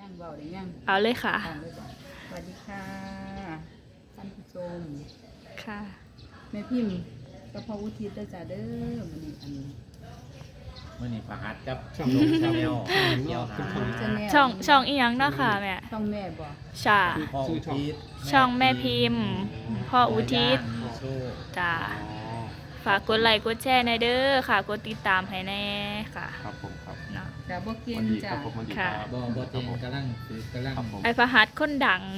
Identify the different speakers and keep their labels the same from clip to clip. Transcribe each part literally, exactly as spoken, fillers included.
Speaker 1: ยังเบาได้ยัง
Speaker 2: เอาเลยค่ะ
Speaker 1: เอาเลยบ่สวัสดีค่ะท่านผู้ชม
Speaker 2: ค่ะ
Speaker 1: แม่พิมพ์กับพ่ออุทิศเด้อจ้าเด้อมื้อนี้อันนี้
Speaker 3: เมื่อนี้ประหัดกับช่องชาแนลเที่ยวหา
Speaker 1: จะแนว
Speaker 2: ช่องช่องอีหยังเนาะค่ะแม่
Speaker 1: ช่องแม่บ่
Speaker 2: ชา
Speaker 3: พ่ออุทิศ
Speaker 2: ช่องแม่พิมพ์ พ่ออุทิศ
Speaker 3: มีโชค
Speaker 2: จ้าฝากกดไลค์กดแชร์ในเด้อค่ะ กดติดตามให้แน่ค่ะ
Speaker 4: ครับผมครับ
Speaker 2: เนาะ
Speaker 1: จ้าบ่เก่ง
Speaker 4: วันดีค
Speaker 1: จ้า
Speaker 4: รับผมวันดี
Speaker 2: ค่ะ
Speaker 4: ครับ
Speaker 3: บอบอเจงกำลังคือกำลัง
Speaker 4: ครับผม
Speaker 2: ไอพหัสคนดัง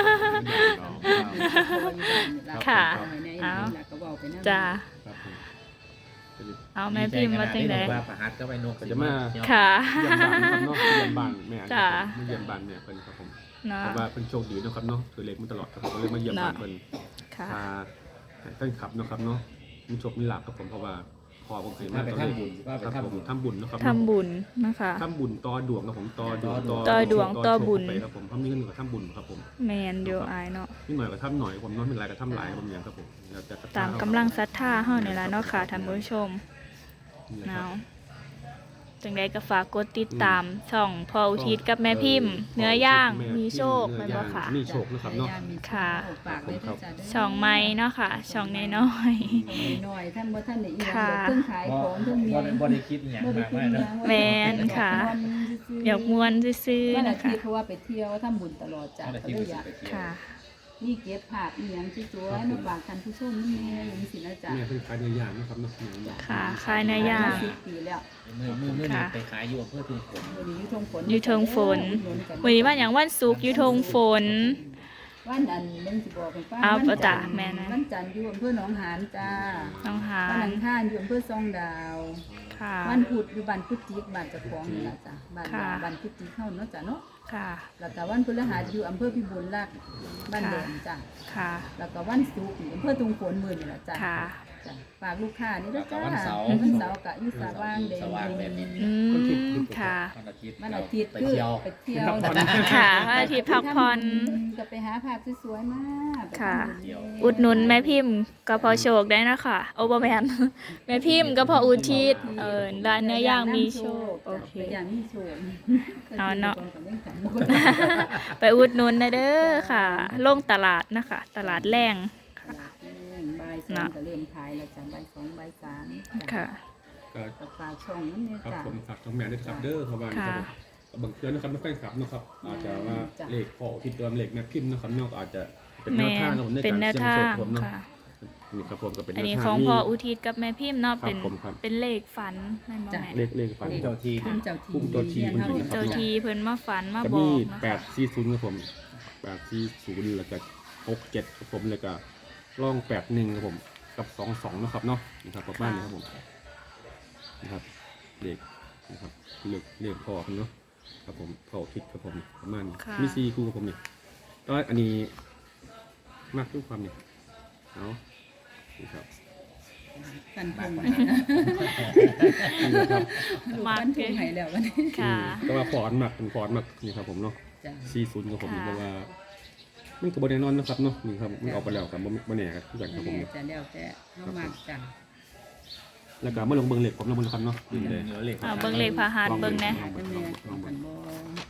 Speaker 2: ค่ะ
Speaker 1: เอา
Speaker 2: เอา
Speaker 1: ก็เว้าไปนำ
Speaker 2: จ้า
Speaker 4: ครับผม
Speaker 2: เอาแม่พิมพ์มาตั้งแต่
Speaker 3: ว่าประหัดก็ไปนก
Speaker 4: จะมา
Speaker 2: ค่ะ
Speaker 4: เยี่ยมบ้านนะครับเนาะเยี่ยมบ้านแม่
Speaker 2: จ้ะ
Speaker 4: ไม่เยี่ยมบ้านเนี่ยเพิ่นครับผม
Speaker 2: เนาะ
Speaker 4: เพราะว่าเพิ่นโชคดีเนาะครับเนาะถือเล็กมาตลอดครับผมก็เลยมาเยี่ยมบ้านเพิ่น
Speaker 2: ค่ะ
Speaker 4: พาให้แฟนคลับเนาะครับเนาะมีโชคมีลาภครับผมเพราะว่าพอผมเคย
Speaker 3: ว่า
Speaker 4: มา
Speaker 3: ไป
Speaker 4: ตอน
Speaker 3: ทำบุญว่าไป
Speaker 4: ครับ
Speaker 3: ทำ
Speaker 4: ผ
Speaker 3: บุ
Speaker 4: ม
Speaker 3: ญ
Speaker 4: ทำบุญเนาะครับ
Speaker 2: ทำบุญนะคะ
Speaker 4: ทำบุญต่อดวงครับผมต่อดวง
Speaker 2: ต่อดวงต่อบุญ
Speaker 4: โชคไปครับผมเพราะมีเงินก็ทำบุญครับผม
Speaker 2: แมนเดียวอายเนาะ
Speaker 4: นิดหน่อยก็ทำหน่อยผมน้อยเป็นไรก็ทำหลายผมอย่างครับผมแล้วแต่ศรัทธ
Speaker 2: ตามกำลังศรัทธาเฮานี่ล่ะเนาะค่ะท่านผู้ชม
Speaker 4: นี่แหละค
Speaker 2: เนาะ
Speaker 4: รับ
Speaker 2: จังใดก็ฝากกดติดตามช่องพ่ออุทิศกับแม่พิมพ์ เนื้อย่างมีโชคแม่นบ่ค่ะ
Speaker 4: มีโชคนะครับเนาะ
Speaker 2: ค่ะ
Speaker 1: ฝากเลยเด้อจ้าเด้อ
Speaker 2: ช่องใหม่เนาะค่ะ ช่องน้อย
Speaker 1: ช่องน้อยๆท่านบ่ท่านได้อีหยัง
Speaker 2: ค่ะ
Speaker 1: เพิ่งขายของเพิ่งมี
Speaker 3: บ่ได้บ่ได้คิดอหย่าง
Speaker 1: บ่ได้
Speaker 3: มาก
Speaker 1: คิด
Speaker 3: มาย
Speaker 1: หยั
Speaker 3: เนาะ
Speaker 1: ง
Speaker 2: แม่นค่ะ ๆอยากม่วนซื่อ
Speaker 1: วัน
Speaker 2: ๆ
Speaker 1: อา
Speaker 2: นะ
Speaker 1: ทิ
Speaker 2: คะ
Speaker 1: ตย์เพราะว่าไปเที่ยวทำบุญตลอดจ้ะ
Speaker 3: เอาแต่
Speaker 1: ก็
Speaker 3: ที่
Speaker 1: เล
Speaker 3: ไป
Speaker 1: ยอยาก
Speaker 3: เที่ยว
Speaker 2: ค่ะ
Speaker 1: นี่เก็บภาพอีหยังสวยๆมาฝากท่านผู้ชมนี่แม่อย่างนี้สินะจ๊ะ
Speaker 4: แม่เพิ่งขายเนื้อย่างนะครับเนาะเนื้อย่าง
Speaker 2: ค่ะขายเนื้อย่าง
Speaker 1: สิบปีแล้ว
Speaker 3: มือมือมือนี่ไปขายอยู่อำเพื่อทุ่งฝน
Speaker 1: มื้อนี้อยู่ทงฝน
Speaker 2: อยู่เทิงฝน วันนี้ว่าอย่างวันศุกร์อยู่ทงฝน
Speaker 1: วันอันนึงสิบอกให้ฟัง
Speaker 2: เอา
Speaker 1: วัน
Speaker 2: จ้ะ
Speaker 1: จันทร์
Speaker 2: แม่นะ
Speaker 1: วันจันทร์อยู่อำเภอหนองหานจ้า
Speaker 2: น้องหา
Speaker 1: วัน
Speaker 2: น
Speaker 1: อังคารอยู่อำเภอซองดาว
Speaker 2: ค่ะ
Speaker 1: วันพุธอยู่บ้านพุทธิกบ้านเจ้าของนี่ล่ะจ้ะบ้าน
Speaker 2: ค่ะ
Speaker 1: บ้านพุทธิกเฮาเนาะจ้ะเนาะ
Speaker 2: ค่ะ
Speaker 1: แล้วก็วันพฤหัสอยู่อำเภอพิบูลรักษ์บ้านแดงจ้ะ
Speaker 2: ค่ะ
Speaker 1: แล้วก็วันศุกร์อยู่อำเภอตุงฝนมื้อนี่ล่ะจ้ะ
Speaker 2: ค่ะ
Speaker 1: จ้ะฝากลูกค้านี่เด้อจ้า
Speaker 3: วันเสาร์
Speaker 1: วันเสาร์ก็อยู่สาว่างแดง
Speaker 3: สว่างแดง
Speaker 2: อืมค่ะ
Speaker 3: วันอาทิตย์
Speaker 1: วันอาทิตย์
Speaker 3: ไป
Speaker 1: คือ
Speaker 3: เที่ยว
Speaker 1: ไปเที่ยว
Speaker 2: ค่ะวันอาทิตย์พักผ่อน
Speaker 1: ก็ไปหาภาพสวยๆมาไป
Speaker 2: ค่ะ
Speaker 1: ทำบุญ
Speaker 2: อุดหนุนแม่พิมพ์ก็พอโชคได้นะคะโอเบอร์แมน แม่พิมพ์ก็พออุทิศเออร้านเนื้อย่างมีโชคโอเค
Speaker 1: เนื้อย่างมีโชค
Speaker 2: เอาเนาะ
Speaker 1: ก็ยังจำบ่ได้
Speaker 2: ไปอุดหนุนนะเด้อค่ะลงตลาดนะคะ ตลาดแรงค่ะ
Speaker 1: บ่ายสองก็เริ่มขายแล้วจ้ะบ่ายสองบ่ายสามจ้
Speaker 2: ค่ะ
Speaker 4: ก็
Speaker 1: ก็ฝากช่องนั้นเนี่ย
Speaker 4: ครับ
Speaker 1: จ้ะ
Speaker 4: ผมฝากช่องแม่ด้วยครับเด้อครับว่านี่ครับผมบางเทื่อนะครับไม่แฟนคลับนะครับอาจจะว่า
Speaker 1: จ้ะ
Speaker 4: เลขพอที่ตัวเลขแม่พิมพ์นะครับเนอกอาจจะเป็นแน
Speaker 2: แม่
Speaker 4: วทางของผมใน
Speaker 2: เป็น
Speaker 4: การ
Speaker 2: แนว
Speaker 4: เสี่ยง
Speaker 2: ทา
Speaker 4: โช
Speaker 2: ง
Speaker 4: คผมเนาะ
Speaker 2: ค่ะ
Speaker 4: นี่ครับผมก็เป็นแน
Speaker 2: อัน
Speaker 4: ว
Speaker 2: นี้
Speaker 4: ทาง
Speaker 2: ของ
Speaker 4: มี
Speaker 2: พ่ออุทิศกับแม่พิมพ์เนาะ
Speaker 4: ครับ
Speaker 2: เป็น
Speaker 4: ผมครับ
Speaker 2: เป็นเลขฝันแม่นบ่
Speaker 1: จ้ะ
Speaker 2: แม่
Speaker 4: เลขเลขฝัน
Speaker 3: เจ้าที่
Speaker 1: ภูมิเจ้าที
Speaker 4: ภูมิเจ้าที่
Speaker 1: เรียนเฮานี่
Speaker 2: เจ้าทีเพิ่นมาฝันมา
Speaker 4: ก็
Speaker 2: บอ
Speaker 4: มี
Speaker 2: กนะ
Speaker 4: แปด
Speaker 2: คะ
Speaker 4: สี่ศูนย์ครับผมแปดสี่ศูนย์แล้วก็หกเจ็ดครับผมแล้วก็ร่องแปดหนึ่งครับผมกับสองสองนะครับเนาะนะครับประมาณนี้ครับผมนะครับเลขนะครับเลขเลขพอครับเนาะครับผมพอคิดครับผมประมาณนี้
Speaker 2: ค่ะ
Speaker 4: มีซีคู่กับผมนี่ก็อันนี้มากทุกความนี่เอานี่ครับ
Speaker 1: กันพง
Speaker 3: มาก
Speaker 1: ให้นะ
Speaker 4: นี่ครับ
Speaker 1: ลูกกันพงให้แล้ววันนี้
Speaker 2: ค่ะ
Speaker 4: แต่ว่าฟอนมากเป็นฟอนมากนี่ครับผมเนาะ
Speaker 1: จ้ะ
Speaker 4: ซีศูนย์กับผม
Speaker 2: ค่ะ
Speaker 4: เพราะว่ามันกับบริแนนอนนะครับเนาะนี่ครับมันออกไปแล้วครับบ่แน่ครับทุกอย่างครับผม
Speaker 1: แม่
Speaker 4: เนี่ย
Speaker 1: จะแล้วแต่เฮามากจ้ะ
Speaker 4: แล้วก็เมื่อลงเบิ่งเหล็กผมลงเบิ่งครับเนาะนี่เลย
Speaker 3: เหนือเหล็ก
Speaker 2: เอาเบิ่งเลขพาหาดเบิ่งแหน่
Speaker 4: ลอง
Speaker 1: แต่
Speaker 4: เบิ่ง
Speaker 1: แม่
Speaker 4: ลอง
Speaker 1: กั
Speaker 4: เบิ่
Speaker 1: น
Speaker 4: ง
Speaker 1: บ่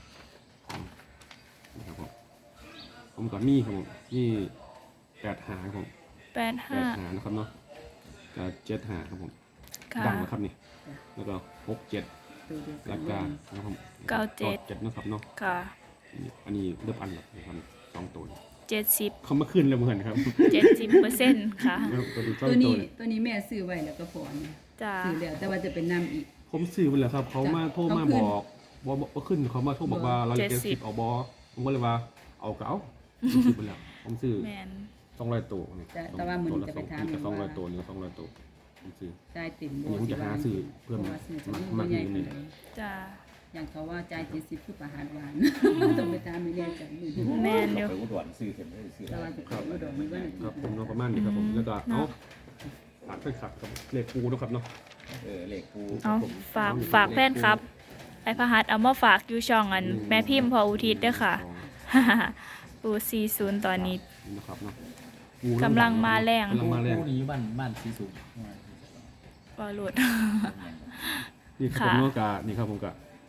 Speaker 4: นะครับผมผมกับมี่ครับผมนี่แปดหาครับผม
Speaker 2: แปด
Speaker 4: แป
Speaker 2: ห้า
Speaker 4: ดหานะครับเนาะก็เจ็ดหาครับผม
Speaker 2: ค่ะ
Speaker 4: ดังนะครับนี่แล้วก็หกเจ็ด
Speaker 1: ตัวเดียว
Speaker 4: แล้ว
Speaker 1: กั
Speaker 4: ก็
Speaker 1: น
Speaker 4: นะครับผม
Speaker 2: เก้าเจ็ด
Speaker 4: เจ็ดนะครับเนาะ
Speaker 2: ค่ะ
Speaker 4: อันนี้เริ่มอันแล้วนะครับสองตัว
Speaker 2: เจ็ดสิบ
Speaker 4: เขามาขึ้นแล้วเหมือนครับ
Speaker 2: เจ็ดสิบเปอร์เซ็นต์ค่ะ
Speaker 4: ตัวนี้สอง
Speaker 1: ตัว
Speaker 4: ตั
Speaker 1: นี้
Speaker 4: วเนี่ย
Speaker 1: ตัวนี้แม่ซื้อไว้แล้วก็ฝอนเนี่ย
Speaker 2: จ้า
Speaker 1: ซื้อแล้วแต่ว่าจะเป็นน้ำอีก
Speaker 4: ผมซื้อไปแล้วครับ เขามาโทรมาบอกบอกว่าขึ้นเขามาโทรบอกว่าเราจะเจ็ดสิบเอาบอผมก็เลยว่าเอาเก๋าผมซื้อไปแล้วผมซื้อ
Speaker 2: แมน
Speaker 4: สองร้อยตัวนี่
Speaker 1: แต่แต่ว่ามื้อนี้จะไปถาม
Speaker 4: สองร้อย
Speaker 1: ว่า
Speaker 4: ตัวนี่สองร้อยตัวผมซื้อ
Speaker 1: จ่ายเต็ม
Speaker 4: อันนี้ผมจะหาซื้อเพิ่ม
Speaker 1: พราะว่าซื้อจะ
Speaker 4: มาก
Speaker 1: บ่
Speaker 4: มาก
Speaker 1: ใหญ่
Speaker 4: นิดนึ
Speaker 1: ปาน
Speaker 4: ง
Speaker 1: ใด
Speaker 2: จ้า
Speaker 1: อย่างเขาว่าจ่ายเจ็ดสิบคือประหารหวานต้องไปถามไม่แน่ใจมื้อนี้
Speaker 2: แมนอยู่
Speaker 3: ไปอุดรซื้อเข็มได้ซื้อ
Speaker 1: แต่ว่าจะเข้าอุดรมื้อวันอาทิ
Speaker 4: ครับ
Speaker 1: ตย์
Speaker 4: ผมเนาะประมาณนี้ครับผมแล้วก็เอาฝากแฟนคลับกับเลขปูนะครับเนาะ
Speaker 3: เออเหล็กปู
Speaker 2: เอาฝากฝากแฟนครับ ไอพหัสเอามาฝากอยู่ช่องอัน แม่พิมพ์พออุทิศเด้วยค่ะ ปูสี่ศูนย์ตอนนี้
Speaker 4: นะครับเนาะ
Speaker 2: กำลังมาแรง
Speaker 4: กำลังมาแรง
Speaker 3: ปูนี้บ้านบ้านสีสูง
Speaker 2: วอลุด
Speaker 4: นี่ครับผมเนาะกะนี่ครับผมกะ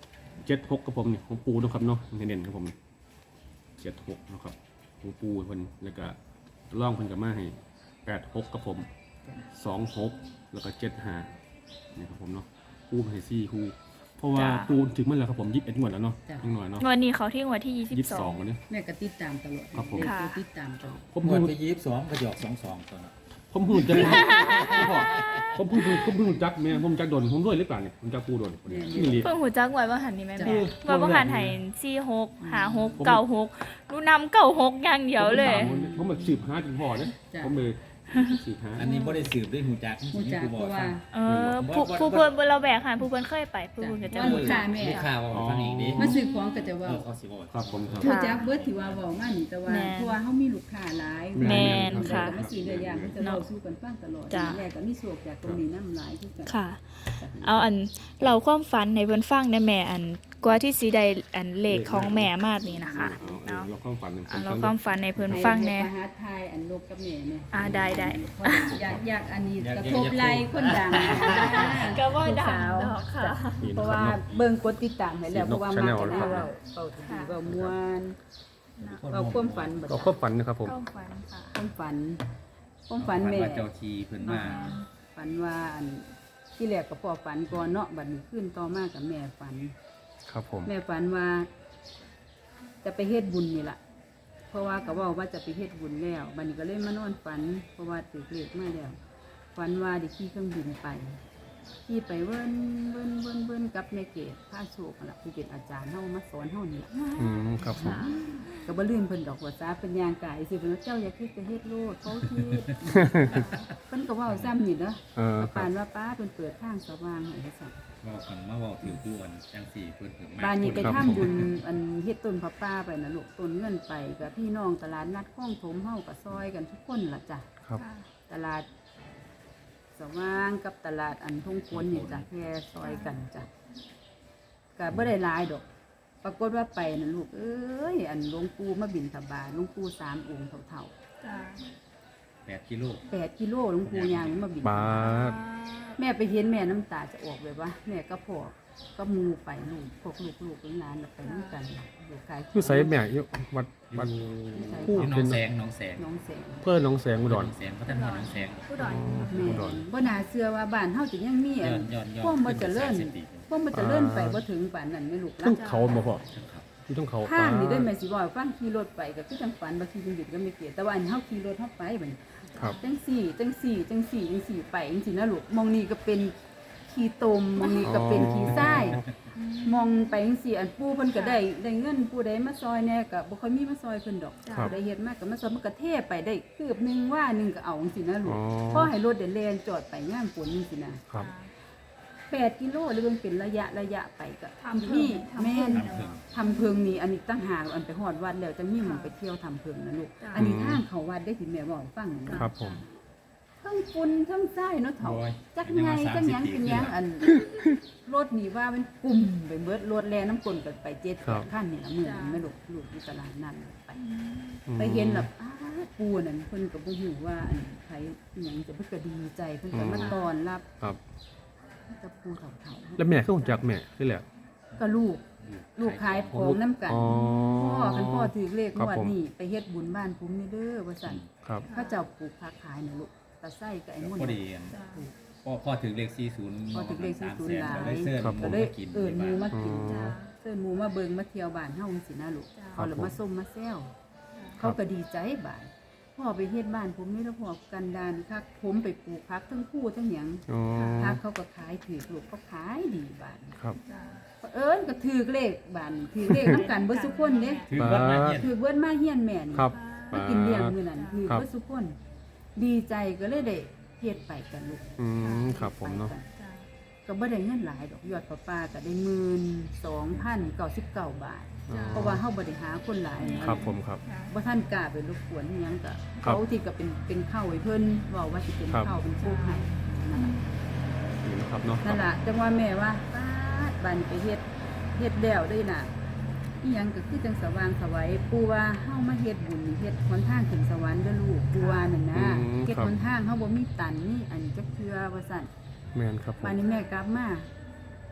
Speaker 4: เจ็ดหกกับผมนี่ของปูนะครับเนาะเน้นๆครับผมเจ็ดหกนะครับของปูเพิ่นแล้วก็ล่องเพิ่นกับมาให้แปดหกกับผมสองหกแล้วก็เจ็ดห้านี่ครับผมเนาะปูให้สี่คู่เพราะว่าปูถึงเมื่อไหร่ครับผมยี่สิบเอ็ดงวดแล้วเนาะยังหน่อยเนาะ
Speaker 2: วันนี้เขาที่งวดที่ยี่สิบ
Speaker 4: ยี่สิบ
Speaker 2: ส
Speaker 4: ส
Speaker 2: อ
Speaker 4: อง งวันนี้
Speaker 1: แม่ก็ติดตามตลอด
Speaker 4: ครับผม
Speaker 1: เด็ก
Speaker 2: ค่ะ
Speaker 1: ก็ติดตามตลอด
Speaker 4: ผม
Speaker 3: งว
Speaker 4: พู
Speaker 3: ด
Speaker 4: ด
Speaker 3: ไปยี่สิบสองกระจอกสองสองตัวน่ะ
Speaker 4: ผมพูดจังผมพูดผมพูดจักแม่ผมจักโดนผมด้วยหรือเปล่าเนี่ยผมจักปูโดนคนนี้นี่เลย
Speaker 2: เพิ่งหูจักไว้ว่าหันนี่แม่
Speaker 1: จ้ะ
Speaker 2: แม่ว่าว่าหันให้สี่หกหาหกเก้าหกรู้นำเก้าหกอย่างเดียวเลย
Speaker 4: ผมมาสืบหาถึงพ่อเนี่ย
Speaker 1: จ้ะ
Speaker 4: ผมเลยสืบหา
Speaker 3: อันนี้บ่ได้สืบด้วยหูจัก
Speaker 1: ฮู้จักเพราะว่า
Speaker 2: เออผู้ผู้เพิ่นบ่เราแบกหันผู้เพิ่นเคยไปผู้เพิ่นก็จะ
Speaker 1: ว่าลูกค้าแม่
Speaker 3: ลูกค้าว่าฟังอีกดิ
Speaker 1: มาซื้อของก็จะ
Speaker 3: เอ
Speaker 1: เว่า
Speaker 3: อเขาสิบอก
Speaker 4: ครับผมครับ
Speaker 1: ฮู้จักเบิดที่ว่าเว้ามานี่แต่ว่าเพราะว่าเฮามีลูกค้าหลาย
Speaker 2: แม่น
Speaker 1: ค่ะ
Speaker 2: ค่ะ
Speaker 1: มาซื้อเนื้อย่างเพิ่นจะเล่าสู่กันฟังตลอด
Speaker 2: จ้ะ
Speaker 1: แม่ก็มีโชคจากตรงนี้นำหลายคือกัน
Speaker 2: ค่ะ เอาอันเราความฝันในเพิ่นฟังได้แม่อันกว่าที่สิได้อันเลขของแม่มากนี่นะคะ
Speaker 4: เอา
Speaker 2: เนาะ
Speaker 4: เราความฝัน
Speaker 2: อันเราความฝันในเพิ่นฟังแน่
Speaker 1: ให้มหาไทยอันลบกับแม่เนี่ย
Speaker 2: อ่าได้ได้
Speaker 1: อยากอยากอันนี้กระทบไหลคนดัง
Speaker 2: ก็ว่าดัง
Speaker 1: ลูสาว
Speaker 2: ดอกค่ะ
Speaker 4: นี่
Speaker 1: เพ
Speaker 4: นะ
Speaker 1: ราะ
Speaker 4: ครั
Speaker 1: ว่า
Speaker 4: บเนาะ
Speaker 1: เบิ่งกดติดตามให้แล้วเพราะว่ามา
Speaker 4: Channel
Speaker 1: กัน
Speaker 4: นะครับ
Speaker 1: เราเป่าดีเป่าม่วนเอาความฝันบ่
Speaker 4: เราความฝันนะครับผม
Speaker 2: ความฝันค่ะ
Speaker 1: ความฝันความฝันแม่
Speaker 3: ว่าเจ้าทีเพิ่นมา
Speaker 1: ฝันว่าอันที่แรกก็พ่อฝันก่อนเนาะบัดนี้ขึ้นต่อมากับแม่ฝัน
Speaker 4: ครับผม
Speaker 1: แม่ฝันว่า จะไปเฮ็ดบุญนี่ล่ะ เพราะว่าก็เว่าว่าจะไปเฮ็ดบุญแล้วบัดนี้ก็เลยมานอนฝัน เพราะว่าตื่นเลขมาแล้วฝันว่าได้ขี่เครื่องบินไปขี่ไปเวิ้นเวิ้นเวิ้นเวิ้นกับแม่เกศพาโชคนั่นล่ะผู้เป็นอาจารย์เฮามาสอนเฮานี่ล่ะ
Speaker 4: อืมครับผม
Speaker 1: ก็บ่ลืมเพิ่นดอกว่าซาเป็นยางกายสิเพิ่นว่าเจ้าอย่าคิดไปเฮ็ดโลดเขาคิด เพิ่นก็เว้าซ้ำนี่เด้อ
Speaker 4: เออ
Speaker 1: ก็
Speaker 4: ครั
Speaker 1: ปา
Speaker 4: บ
Speaker 1: นว่าป้าเพิ่นเปิดทางสว่างให้ว่าซั่น
Speaker 3: เว้ากันมาเว้าถือผู้อันจังสี่เพิ่นถึงมา
Speaker 1: บ้านนี้ไป
Speaker 4: ครับ
Speaker 1: ทำบุญอันเฮ็ดต้นพระป่าไปนะลูกต้นเงินไปกับพี่น้องตลาดนัดคลองถมเฮาก็ซอยกันทุกคนล่ะจ้ะ
Speaker 4: ครับ
Speaker 1: ตลาดสว่างกับตลาดอันทุ่งควนนี่จ้ะแค่ซอยกันจ้ะก็บ่ได้หลายดอก ปรากฏว่าไปนะลูกเอ้ยอันหลวงปู่มาบิณฑบาตหลวงปู่สามองค์เท่า
Speaker 2: จ้า
Speaker 3: แปดกิโล
Speaker 1: ๆแปดกิโลหลวงปู่ยางมาบิณฑ
Speaker 4: บา
Speaker 1: บาต
Speaker 4: ท
Speaker 1: แม่ไปเห็นแม่น้ำตาจะออกแบบว่าแม่ก็พอก็มูไปลูกพวกลูกลูกหลานๆไปน้ำกันลูกขาย
Speaker 4: อยู่ไสแม่อยู่วัดวัด ผู้
Speaker 3: อยู่หน้องแสงหน้องแสง
Speaker 1: น้องแสง
Speaker 4: เพื่อนน้องแสงอุดร
Speaker 3: หน้องแสงพัฒนาหน้องแสง
Speaker 2: ผู้ดอย
Speaker 1: แม่
Speaker 4: อุดร
Speaker 1: บ่น่าเชื่อว่าบ้านเฮาจะยังมี
Speaker 3: ย้
Speaker 1: อั
Speaker 3: อน นย้อนย้อน
Speaker 1: พวกมันเจะเลื่อน
Speaker 3: ขึ้นไปสามสิบปี
Speaker 1: พวกมันจะเลื่อนไปบ่ถึงป่านนั้นแม่ลูก
Speaker 4: ต้องเขาบ่พ่อ
Speaker 3: ครับ
Speaker 4: ที่ต้องเขา
Speaker 1: ทางนี่ได้แม่สิบอกฟังขี่รถไปก็คือจังฝันบ่ขี่จังหยุดก็ไม่เกียแต่ว่าอันเฮาขี่รถเฮาไปบัดนี้
Speaker 4: ครับ
Speaker 1: จังสี่จังสี่จังสี่จังสี่ไปจังสี่นะลูกมองนี่ก็เป็นขี้ตมมองนี่ก็เป็นขี้ทรายมองไปจังสี่อันปู่เพิ่นก็ได้ได้เงินผู้ใดมาซอยแหน่ก็บ่ค่อยมีมาซอยเพิ่นดอก
Speaker 4: ครับ
Speaker 1: ได้เฮ็ดมากก็มาซอยมันก็เทไปได้คืบหนึงว่าหนึงก็เอาจังซี่นะลูก
Speaker 4: อ๋อ
Speaker 1: พอให้รถเดินแล่นจอดไปย่ามฝนจังซี่นะครับ แปดกิโลหรือมันเป็นระยะระยะไปก็
Speaker 2: ทำเพิ่
Speaker 1: นี่
Speaker 2: ง
Speaker 1: แม่น
Speaker 3: ทำเพิ่ง
Speaker 1: ทำเพิงนี่อันนี้ตั้งหากอันไปฮอดวัดแล้วจังมีหมันไปเที่ยวทำเพิงนะลูก
Speaker 2: จ้ะ
Speaker 1: อันนี้ทางเขาวัดได้ที่แม่บอกให้ฟังนะครับ
Speaker 4: ผม
Speaker 1: ทั้งฝุ่นทั้งทรายเนาะเฒ่า
Speaker 3: โอ้ย
Speaker 1: จักไงจักหยังเป็นหยังอัน รถนี่ว่ามันกลุ่มไปเบิดรถแลน้ำกลนกันไปเจ็ดแปดคันนี่ละมื้อนี้แม่ลูกลูกอยู่ตลาดนั่นไป ไปเห็นแบบอ้าปูนั่นเพิ่นก็บ่ฮู้ว่าอันไผอิหยังจะเพิ่นก็ดีใจเพิ่นก็มาต้อนรับ
Speaker 4: ครับ
Speaker 1: กับปูเฒ่าๆ
Speaker 4: แล้วแม่คือรู้จักแม่ที่แหละ
Speaker 1: ก็ลูก ลูกขายของน้ำกัน
Speaker 4: อ๋อ
Speaker 1: พ่อคันพ่อถือเลข
Speaker 4: ครั
Speaker 1: ง
Speaker 4: บ
Speaker 1: วด
Speaker 4: ผม
Speaker 1: นี้ไปเฮ็ดบุญบ้านผมนี่เด้อว่าซั่น
Speaker 4: ครับ
Speaker 1: เขาเจ้าปลูกผักขายน่ะลูกตะไส้กับไอ้มุ่น
Speaker 3: พอดีอันพ่อพ่อถึงเลขสี่ศูนย์
Speaker 1: พ่อถึงเลขสี่ศูนย์
Speaker 3: สามแสนก็ได้เสื้อ
Speaker 4: ครับ
Speaker 3: ห
Speaker 1: ก็
Speaker 3: มู
Speaker 1: เลย
Speaker 3: มากิน
Speaker 1: เอิ้นหมู่
Speaker 3: ที่บ้าน
Speaker 1: มากิน
Speaker 4: อ๋อ
Speaker 1: เอิ้นหมู่มาเบิ่งมาเที่ยวบ้านเฮาจังซี่นะลูก
Speaker 2: จ้ะ
Speaker 1: เขาเลยมาส้มมาแซวเขาก็ดีใจบาดพ่อไปเฮ็ดบ้านผมนี่แล้วพ่อกันดานคักผมไปปลูกผักทั้งคู่ทั้งหยัง
Speaker 4: อ๋อ
Speaker 1: ผักเขาก็ขายถือลูกเขาขายดีบาด
Speaker 4: ครับ
Speaker 1: เอิ้นก็ถือเลขบาดถือเลขนํกันเบิดทุกคนเด้
Speaker 3: ถือว่ามาเฮียน
Speaker 1: ถือเบิดมาเฮียนแม่นี่
Speaker 4: ครับ
Speaker 1: มากินเลี้ยงมื้อนั้นคือ
Speaker 4: ครับ
Speaker 1: เพื่อสุกคน ดีใจก็เลยได้เฮ็ดไปกันลูก
Speaker 4: อืมครับผมเนาะ
Speaker 1: ไปกันก็บ่ได้เงินหลายดอกยอดประปาก็ได้หมื่นสองพันเก้าสิบเก้าบาท
Speaker 4: อ๋อ
Speaker 1: เพราะว่าเฮาบ่ได้หาคนหลายนะครับ
Speaker 4: ผมครับ
Speaker 1: บ่ทันกล้าไปรบกวนอิหยังก็
Speaker 4: ครับ
Speaker 1: เขาที่ก็เป็นเป็นข้าวให้เพิ่นเว้าว่าสิเป็น
Speaker 4: ครับ
Speaker 1: ข้าวเป็นโคกให้นั่นล่ะ
Speaker 4: นี่นะครับเนาะ
Speaker 1: นั่นล่ะจังว่าแม่ว่าปาดบัดนไปเฮ็ดเฮ็ดแล้วเด้น่ะอีหยังก็คือจังสว่างไสวัยปู่ว่าเฮามาเฮ็ดบุญนี่เฮ็ดหนทางถึงสวรรค์เด้อลูกปู่ว่านั่นนะ
Speaker 4: อืม
Speaker 1: เฮ็ด
Speaker 4: ครับ
Speaker 1: หนทางเฮาบ่มีตันนี่อันจักเทื่อว่าซั่น
Speaker 4: แม่นครับผม
Speaker 1: บัดนี้แม่กลับมา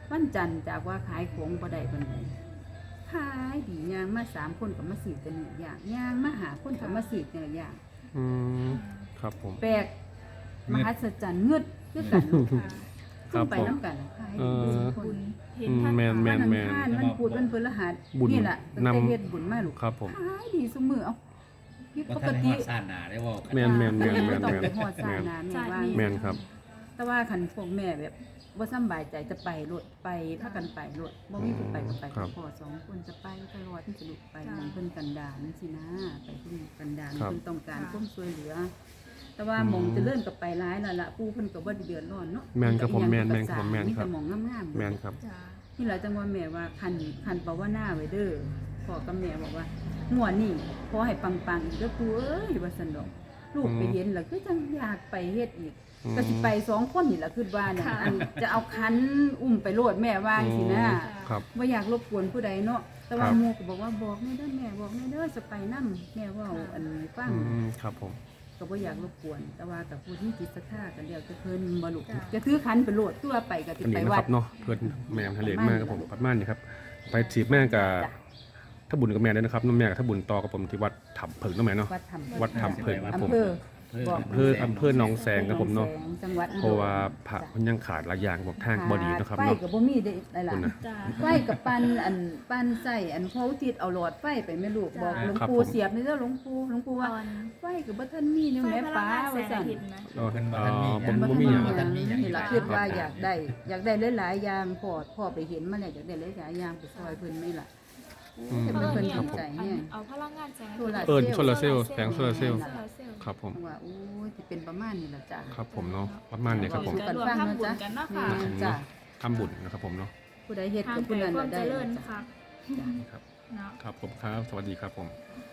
Speaker 1: วันจันทร์จากว่าขายของบ่ได้ปานใดขายดีย่างมาสามคนก็มาซื้อแต่เนื้อย่างย่างมาหาคนก็มาซื้อแต่เนื้อย่าง
Speaker 4: อืมครับผม
Speaker 1: แปลกมหัศจรรย์เงืดคือกัน
Speaker 2: ค่ะ
Speaker 4: ครับ
Speaker 1: ไป
Speaker 4: ผม
Speaker 1: น้ำกันขาย
Speaker 4: เออ
Speaker 1: คน
Speaker 2: บุญเห็น
Speaker 4: อืม
Speaker 2: ท่าน
Speaker 4: แมนแม
Speaker 1: วัน
Speaker 4: น
Speaker 1: อัง
Speaker 4: แมน
Speaker 1: คารวันพุธวันพฤหัส
Speaker 4: บุญ
Speaker 1: นี่แหละตั้งแต่
Speaker 4: นำ
Speaker 1: เฮ็ดบุญมาลูก
Speaker 4: ครับผม
Speaker 1: ขายดีซุมื้อเอาผิด
Speaker 3: ว่า
Speaker 1: ป
Speaker 3: ท่าก นให้
Speaker 1: ติ
Speaker 3: ฮอดซ่านหนาได้บ่
Speaker 4: แมนแมนแมนแมน
Speaker 1: ต้อง
Speaker 4: แมน
Speaker 1: ไปฮอด
Speaker 4: แม
Speaker 1: ซ่าน นาแม่ว่า
Speaker 4: แมนครับ
Speaker 1: แต่ว่าคันพวกแม่แบบบ่สำบายใจจะไปรถไปพากันไปรถบ่มีผู้ไปก็ไป
Speaker 4: ครั
Speaker 1: กับบ พ่อสองคนจะไปตลอดที่จะลุกไปหมองเพิ่นกันดารสินะไปเพิ่นกันดาร
Speaker 4: ครับ
Speaker 1: เพิ่นต้องการ
Speaker 2: ค่ะ
Speaker 1: ความช่วยเหลือ แต่ว่า
Speaker 4: อืม
Speaker 1: หมองเจะเลื่อนกับไปร้ายแล้วล่ะปู่เพิ่นก็บ่ได้เดือดร้อนเนาะ
Speaker 4: แม่นครับผมแม่น
Speaker 1: ก็
Speaker 4: แม่นครับผมแม่น
Speaker 1: มี
Speaker 4: ครับ
Speaker 1: แต่หมองงามๆ
Speaker 4: แมนครับ
Speaker 2: จ้า
Speaker 1: นี่แหละจังว่าแม่ว่าคันคันภาวนาไว้เด้อพ่อกับแม่บอกว่าหัวดนี่ขอให้ปังๆอีกเด้อปู่เอ้ยว่าซั่นดอกลูกไปเห็นแล้วคือจังอยากไปเฮ็ดอีก
Speaker 4: อืม
Speaker 1: ก็สิไปสองคนนี่แหละคือว่าเนี่ยอันจะเอาคันอุ้มไปโลดแม่ว่าสินะครับ ว่าอยากรบกวนผู้ใดเนาะแต่ว่า
Speaker 4: ครับ
Speaker 1: หมู่ก็บอกว่าบอกแม่เด้อแม่บอกแม่เด้อจะไปนํแม่เว่าอันนี้ฟัง
Speaker 4: อืมครับผม
Speaker 1: ก็บ่อยากรบกวน แต่ว่ากับผู้ที่จิตศรัทธากันแล้วจะเพิ่นบ่ลุกจะถือคันไปโลดตัวไปก็สิ
Speaker 4: อัน
Speaker 1: ไป
Speaker 4: นี้นะ
Speaker 1: วั
Speaker 4: ค
Speaker 1: ด
Speaker 4: รับเนาะเพื่อนแม่ทะเลมากครับผมปัดม่านนี่ครับไปถีบแม่กับถ้าบุญกับแม่ด้วยนะครับน้องแม่กับถ้าบุญต่อกับผมที่วัดถ้ำเผิงน้องแม่เนาะ
Speaker 1: วัดธรรม
Speaker 4: วัดถ้ำเผิงครับผม
Speaker 1: อำเภอ
Speaker 3: เพิ่ม
Speaker 1: บอก
Speaker 4: อำเภออำเภอหนองแสงครับผมเนาะ
Speaker 1: จังหวัดอุดร
Speaker 4: เพราะว่าพระมันยังขาดหลายอย่างบอกทางบอดีนะครับ
Speaker 1: ไฟ
Speaker 4: เนาะ
Speaker 1: ก็บ่มีได้หลาย
Speaker 4: คุณ
Speaker 1: ๆ
Speaker 4: นะ
Speaker 2: จ้า
Speaker 1: ไฟกับปันอันปันใส่อันพระอุทิศเอาหลอดไฟไปแม่ลูกบอกหลวง
Speaker 4: ครับ
Speaker 1: ปู่
Speaker 4: ผม
Speaker 1: เสียบนี่เด้อหลวงปู่หลวงปู่ว่า
Speaker 2: ตอน
Speaker 1: ไฟกับบ่ทันมีนี่
Speaker 2: ไฟ
Speaker 1: แม่
Speaker 2: พ
Speaker 1: ป้า
Speaker 2: ลังงานแส
Speaker 1: ว่าง ซั่
Speaker 2: อาน ทิตย์ไหม
Speaker 4: เออ
Speaker 3: เพิ่นบ่
Speaker 4: เอ่
Speaker 3: ทันมี
Speaker 4: อผม
Speaker 3: หยัง
Speaker 4: บ่มีอย่าง
Speaker 3: บ่ทันมีหยัง
Speaker 1: นี่ล่ะคิดว่าอยากได้ อยากได้หลายๆอย่างพ่อพ่อไปเห็นมาแล้วอยากได้หลายๆอย่างไปซอยเพิ่นนี่ล่ะ
Speaker 4: อืม
Speaker 1: แต่
Speaker 2: เพิ่
Speaker 1: เพิ่
Speaker 2: น
Speaker 1: น
Speaker 2: เนี่ย
Speaker 1: สนใจแฮง
Speaker 2: เอาพลังงานแสงอา
Speaker 1: โซ
Speaker 2: ทิต
Speaker 1: ลา
Speaker 2: ย์
Speaker 1: ร์
Speaker 4: เอิ้น
Speaker 1: เซลล์
Speaker 4: โซลาร์เซลล์แสงโซลาร์เซลล์
Speaker 2: โซลาร์เซลล์
Speaker 4: ครับผม
Speaker 1: ว่าโอ้ยสิเป็นประมาณนี้ล่ะจ้ะ
Speaker 4: ครับผมเนาะประมาณนี้ครับผม
Speaker 2: ก็รวมทำบุญกันเนาะค่ะ
Speaker 1: แม่จ้ะ
Speaker 4: ทำบุญนะครับผมเนาะ
Speaker 1: ผู้ใดเฮ็ด
Speaker 2: ทาง
Speaker 1: กับ
Speaker 2: ไกล
Speaker 1: ผู้นั้น
Speaker 2: ความ
Speaker 1: น่ะ
Speaker 2: เจ
Speaker 1: ได้
Speaker 2: ริญ
Speaker 1: จ้ะ
Speaker 2: ค่ะ
Speaker 4: ครับ
Speaker 2: เนาะ
Speaker 4: ครับผมครับสวัสดีครับผม